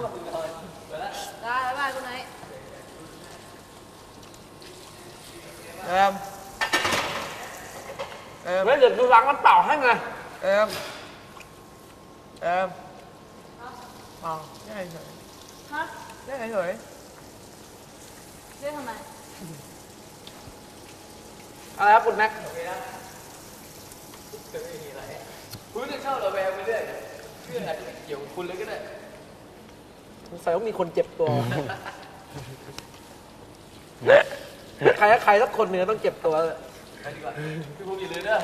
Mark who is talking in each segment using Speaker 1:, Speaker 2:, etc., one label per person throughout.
Speaker 1: ได้บ๊ายบายคุณนาย
Speaker 2: เดี๋ยวดูล้างน้ำเปล่าให้ไงเอาได้เฉยฮะได้เฉย
Speaker 1: เรียกทำไม
Speaker 2: อะไรครับคุณแม็ก
Speaker 3: คุณจะเข้าระแวงไปเรื่อยเพื่อนอาจจะเกี่ยวกับคุณเลยก็ได้
Speaker 2: สงสัยว่ามีคนเจ็บตัวใครสักคนหนึ่งต้องเจ็บตัวเลย
Speaker 3: ไปดีกว่าพี่ภูมิอย่าลืมเด้อ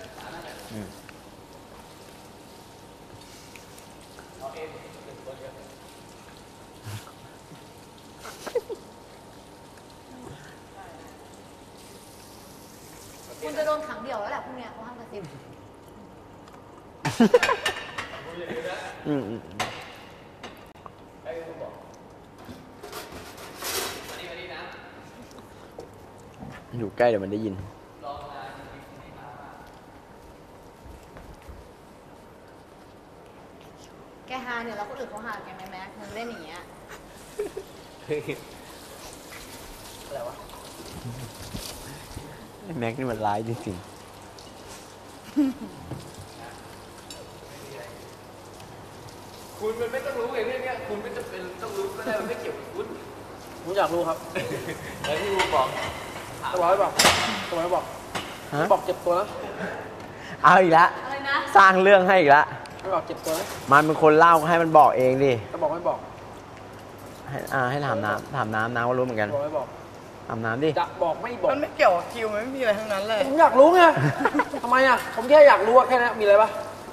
Speaker 1: คุณจะโดนขังเดี่ยวแล้วแหละพรุ่งนี้เขาห้ามกระซิบ
Speaker 4: อยู่ใกล้เดี๋ยวมันได้ยิน
Speaker 1: แกฮาเนี่ยแล้วคนอื่นเขาฮาแกไหมแม็กมึงเล่นอย่างเงี้ย
Speaker 2: อะไรวะ
Speaker 4: แม็กนี่มันร้ายจริง
Speaker 3: คุณมันไม่ต้องรู้ไงเรื่องนี้คุณไม่จำเป็นต้องรู้ก็ได้มันไม่เกี่ยวกับคุณ
Speaker 2: ผมอยากรู้ครับ
Speaker 3: แล้วที่ภูมิบอก
Speaker 2: สบายบอกบอกเจ็บตัวนะ
Speaker 4: เอาอีกแล้ว
Speaker 1: อะไรนะ
Speaker 4: สร้างเรื่องให้อีกแล้ว
Speaker 2: ไม่บอกเจ็บตัวนะ
Speaker 4: มันเป็นคนเล่าให้มันบอกเองดิ
Speaker 2: จะบอกไม่บอก
Speaker 4: ให้ถามน้ำก็รู้เหมือนกัน
Speaker 2: บอกไม่บอก
Speaker 4: ถามน้ำดิ
Speaker 2: จะบอกไม่บอก
Speaker 5: มันไม่เกี่ยวกับคิวมันไม่มีอะไรทั้งนั้นเลย
Speaker 2: ผมอยากรู้ไงทำไมอ่ะผมแค่อยากรู้แค่นั้นมีอะไรปะ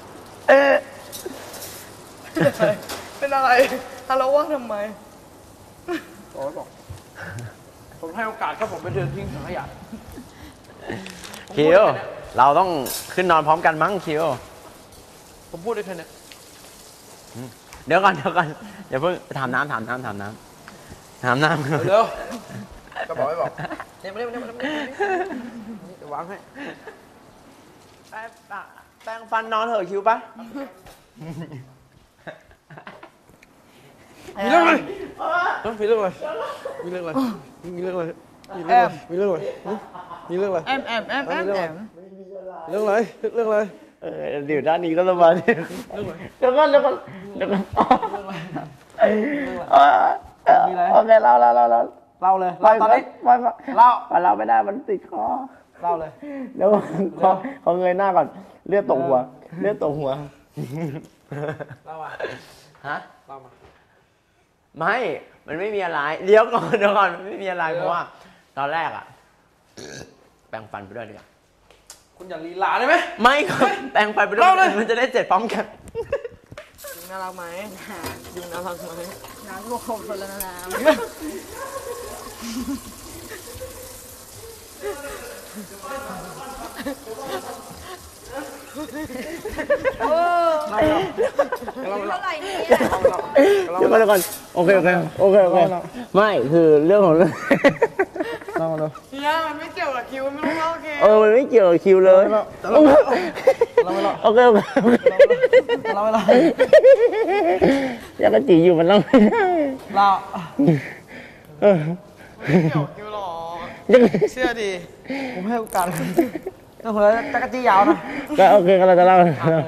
Speaker 5: เป็นอะไรทะเลาะว่าทำไม
Speaker 2: บอกไม่บอกผมให้โอกาสแค่ผมไปเดินทิ้งถังขยะ
Speaker 4: คิวเราต้องขึ้นนอนพร้อมกันมั้งคิว
Speaker 2: ผมพูดได้แค่นี้
Speaker 4: เดี๋ยวก่อนอย่าเพิ่งถามน้ำ
Speaker 2: เร็วจะบอกไม่บอกเนี่ยมาเดี๋ยววางให้
Speaker 4: แปรงฟันนอนเถอะคิวปะ
Speaker 2: มีเรื่องอะไรมีเรื่องอะไรมีเรื่องอะไรมีเรื่องอะไรมีเรื่องอะไรมีเรื่องอะไรมีเรื่องอะไร
Speaker 5: แอม
Speaker 2: เรื่องอะไรเรื่องอะไร
Speaker 4: เดี๋ยวด้านนี้ก็ระบาดเดี๋ยวก่อนโอเคเล่า
Speaker 2: เลยตอนนี้เล่า
Speaker 4: ไม่ได้มันติดคอ
Speaker 2: เล่าเลย
Speaker 4: เดี๋ยวเขาเงยหน้าก่อนเลือดตกหัวเล่าอ่ะฮะ
Speaker 2: เล่ามา
Speaker 4: ไม่มันไม่มีอะไรเดี๋ยวก่อนมันไม่มีอะไรเพราะว่าตอนแรกอะแปรงฟันไปด้วยดีกว่า
Speaker 2: คุณอย่าลีลาได้ไหม
Speaker 4: ไม่ครับแปรงฟันไปด้วยมันจะได้เจ็ดพร้อมกัน
Speaker 5: ยุงน่ารักไหมยุงน่ารักไหม
Speaker 1: น้ำรวมคนละน้ำเท่าไหร่เนี่ย
Speaker 4: เดี๋ยวก่อนโอเคไม่คือเรื่องของเรื่อง
Speaker 5: เนี่ยมันไม่เกี่ยวกับคิวไม่รู้ว่าโอเค
Speaker 4: มันไม่เกี่ยวกับคิวเลยโอเคยังกระจีอยู่มันเล่าไม่ได้
Speaker 5: ไม่เกี่ยวกับคิวหรอกเชื่อดิ
Speaker 2: ผมให้โอกาสแล้วคนละจักรจี้ยาวนะ
Speaker 4: ก็โอเคก็เราจะเล่า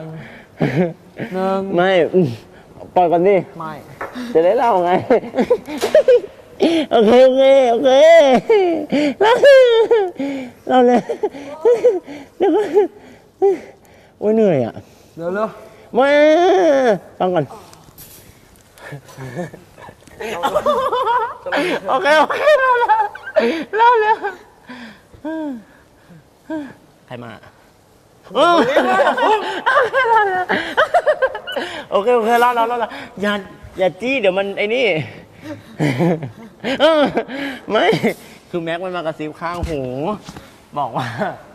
Speaker 4: ไม่ปล่อยก่อนดิ
Speaker 2: ไม่
Speaker 4: จะได้เล่าไงโอเคเล่าเลยเดี๋ยวโอ้ยเหนื่อยอ่ะ
Speaker 2: เร็ว
Speaker 4: มาฟังก่อนโอเคเล่าเลยใครมาโอเคเล่าอย่าจี้เดี๋ยวมันไอ้นี่ไม่คือแม็กมันมากระซิบข้างหูบอกว่า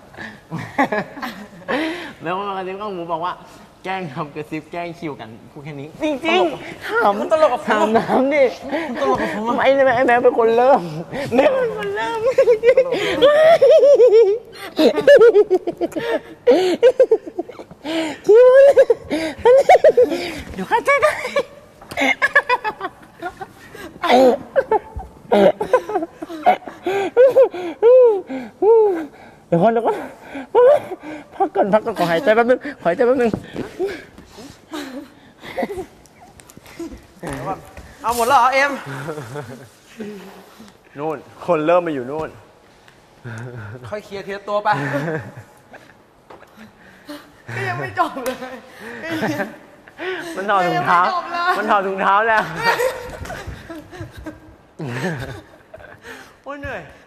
Speaker 4: แม็กมันมากระซิบข้างหูบอกว่าแกล้งทำกระซิบแกล้งคิวกันพูดแค่นี้จริงๆถามน้ำดิ
Speaker 2: ตลกกับผม
Speaker 4: ไอ้แม็กเป็นคนเริ่มแม็กเป็นคนเริ่มคิวเดี๋ยวเข้าใจได้เดี๋ยวก่อนพักก่อนขอหายใจแป๊บนึง
Speaker 2: เอาหมดแล้วเหรอเอ็ม
Speaker 4: นู่นคนเริ่มมาอยู่นู่น
Speaker 2: ค่อยเคลียร์ทีละตัวไป
Speaker 5: ก็ยังไม่จบเลย
Speaker 4: มันถอดถุงเท้า มันถอดถุงเท้าแล้ว โอ้ยเหนื่อย